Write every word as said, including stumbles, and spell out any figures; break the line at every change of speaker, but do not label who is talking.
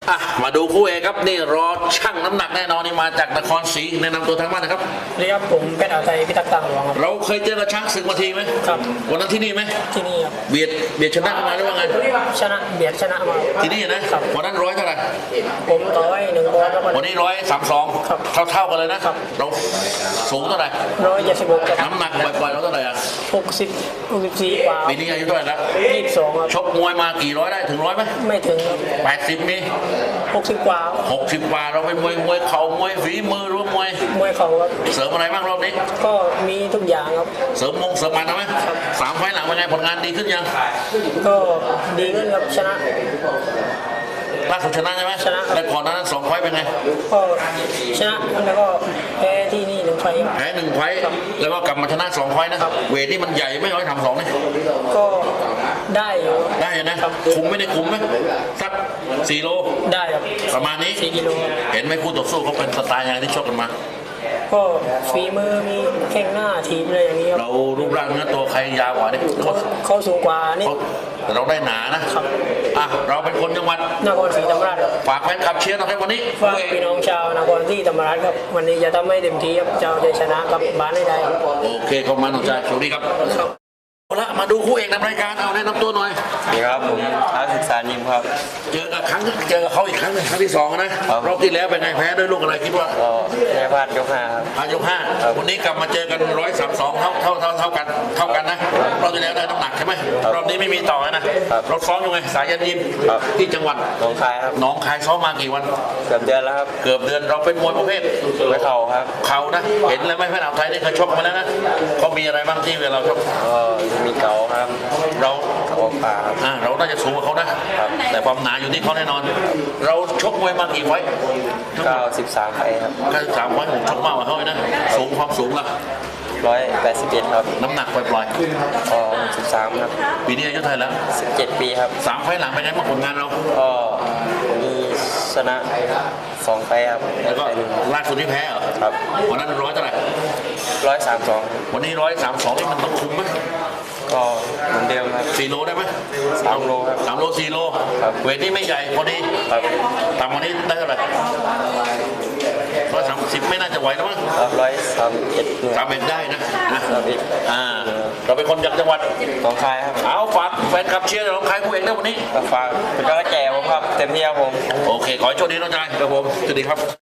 อ่ะมาดูคู่เอกครับนี่รอช่างน้ำหนักแน่นอนนี่มาจากนครศรีแนะนำตัวทางบ้านนะครับ
เรียกผมเป็นอาไทยพิทักษ์ต่างหลวงครับ
เราเคยเจอกับช้างศึกมาทีไหม
ครับ
วันนั้นที่นี่ไหม
ที่นี่ครับ
เบียดเบียดชนะมาหรือว่าไง
ชนะเบียดชนะมา
ที่นี่นะวันนั้นร้อยเท่าไหร่
ผมต่อยหนึ่งบอลแล้ว
วันนี้ร้อยสามสองเท่าเท่ากันเลยนะครับเราสูงเท่าไหร่
ร้อยเจ็ดสิบหก
น้ำหนักปล่อยๆเราเท่าไหร่อ่ะ
หกสิบหกสิบสี่กว่า
ปีนี้อายุเท่าไหร่แล้ว
ยี่สิบสองครับ
ชกมวยมากี่ร้อยได้ถึงร้อยไหม
ไม่ถึง
แปดสิบมี
หกสิบกว่า
หกสิบกว่าเราเป็นมวยมวยเข่ามวยฝีมือหรือมวย
มวยเข่าครับ
เสริมอะไรบ้างรอบนี้
ก็มีทุกอย่างครับ
เสริมมงเสริมมันทำไหมสามไฟหลังเป็นไงผลงานดีขึ้นยัง
ก็ดีขึ้นครับชนะ
ล่าสุดชนะใช่ไหม
ชนะ
แล้วก่อนนั้นสองไฟเป็นไง
ก็ชนะแล้วก็แพ้ที่นี่หนึ่งไฟ
แพ้หนึ่งไฟแล้วก็กลับมาชนะสองไฟนะเวทนี่มันใหญ่ไม่ร้อยทำสองนี่
ก็ได้อยู่
ได้นะคุมไม่ได้คุมไหมสักสี่โล
ได้ครับ
ประมาณนี้
สี่กิโล
เห็นไหมคู่ต่อสู้เขาเป็นสไตล์ยังไงที่ชกกันมา
ก็ฝีมือมีแข้งหน้าทีมอะไรอย่างนี้ครับ
เรารูปร่างเนื้อตัวใครยาวกว่านี่
เขาสูงกว่านี่
แต่เราได้หนานะครับอ่ะเราเป็นคนจังหวัด
นครศรีธรรมราช
ฝากแฟนคลับเชียร์นะครับวันนี้
ฝากพี่น้องชาวนครศรีธรรมราชครับวันนี้จะทำให้เต็มที่ครับเจ้าจะชนะกับบ้านได้ได้
โอเคขอบคุณน้องชายสวัสดีครับเอาละมาดูคู่เอกนำรายการเอาแนะนำตัวหน่อย
สวัสดีครับผมท้าศึกษายิมครับ
เจอกับครั้งเจอกับเขาอีกครั้งหนึ่งครั้งที่สองนะรอบที่แล้วเป็นไงแพ้ด้วยลูกอะไรคิดว่า
ก็แพ้พลาดยกห้าครับ
พลาดยกห้าวันนี้กลับมาเจอกันร้อยสามสองเท่าเท่าเท่าเท่ากันเท่ากันนะรอบที่แล้วได้น้ำหนักใช่ไหมรอบนี้ไม่มีต่อนะรถซ้อมยังไงสายยันยิมที่จังหวัด
หนองคายครับ
หนองคายซ้อมมากี่วัน
เกือบเดือนแล้วครับ
เกือบเดือนเราเป็นมวยประเภท
ไม่เข่าครับ
เข่านะเห็นเลยไหมแพทย์อ่าวไทยนี่เคยชกมาแล้วนะเขามีอะไรบ้างที่เวลาเราชก
ก็มีเก่าครับ
เรา
เขาป่า
อ่าเราน่าจะสูงกว่าเขานะแต่ความหนาอยู่ที่เขาแน่นอนเราชกมวยมากี่ไฟ
เก้าสิบสามไฟครับ
เก้าสิบสามไฟผมชกมากกว่าเขาเลยนะสูงความสูงละ
ร้อยแปดสิบเอ็ดครับ
น้ำหนักปล่อย
ๆก็สิบสามครับ
ปีนี้อายุเท่าไหร่แล้ว
สิบเจ็ดปีครับ
สามไฟหลังเป็นไงบ้างผลงานเรา
ก็มีชนะสองไฟครับ
แล้วก็ล่าสุดที่แพ้เหรอ
ครับ
วันนั้นร้อยเท่าไหร่
ร้อยสามสอง
วันนี้ร้อยสามสองนี่มันต้องคุมไหม
ก็เหมือนเดิมครับ
สี่โลได้ไหม
สามโลครับ
สามโลสี่โลเวทนี่ไม่ใหญ่พอดีต่ำกว่านี้ได้เท่าไหร่ร้อยสามสิบไม่น่าจะไหวแล้วมั้ง
ร้อยสามเอ็ด
สามเอ็ดได้นะ
สามเอ็ด
อ่าเราเป็นคนจากจังหวัด
หนองคายครับ
เอาฝากแฟนคลับเชียร์หนองคายคู่เอกนะวันนี้
ฝากเป็นกำลังใจผมครับเต็มที่ครับผม
โอเคขอให้โชคดีน้องชายครับผมสวัสดีครับ